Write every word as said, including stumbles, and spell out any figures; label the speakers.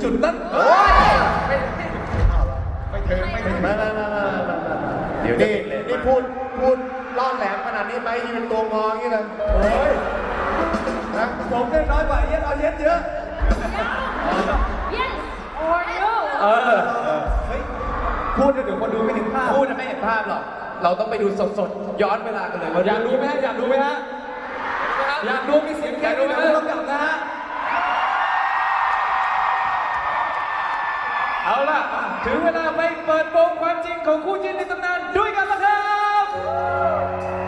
Speaker 1: จุดนั้นโอ้ยไม่ไม่ถึงไม่ถึงมามามามาเดี๋ยวนี่นี่พูดพูดล่อแหลมขนาดนี้ไหมยืนตัวงออย่างนี้เลยโอ้ยนะผมได้น้อยกว่าเย็ดเอาเย็ดเยอะ
Speaker 2: yes or no
Speaker 1: เออเฮ้ยพูดเดี๋ยวคนดูไม่เห็นภาพพูดไม่เห็นภาพหรอกเราต้องไปดูสดๆย้อนเวลากันเลยอยากดูไหมฮะอยากดูไหมฮะอยากดูมีเสียงอยากดูไหมต้องกลับนะฮะเอาล่ะถึงเวลาไปเปิดโปงความจริงของคู่จิ้นในตำนานด้วยกันแล้วครับ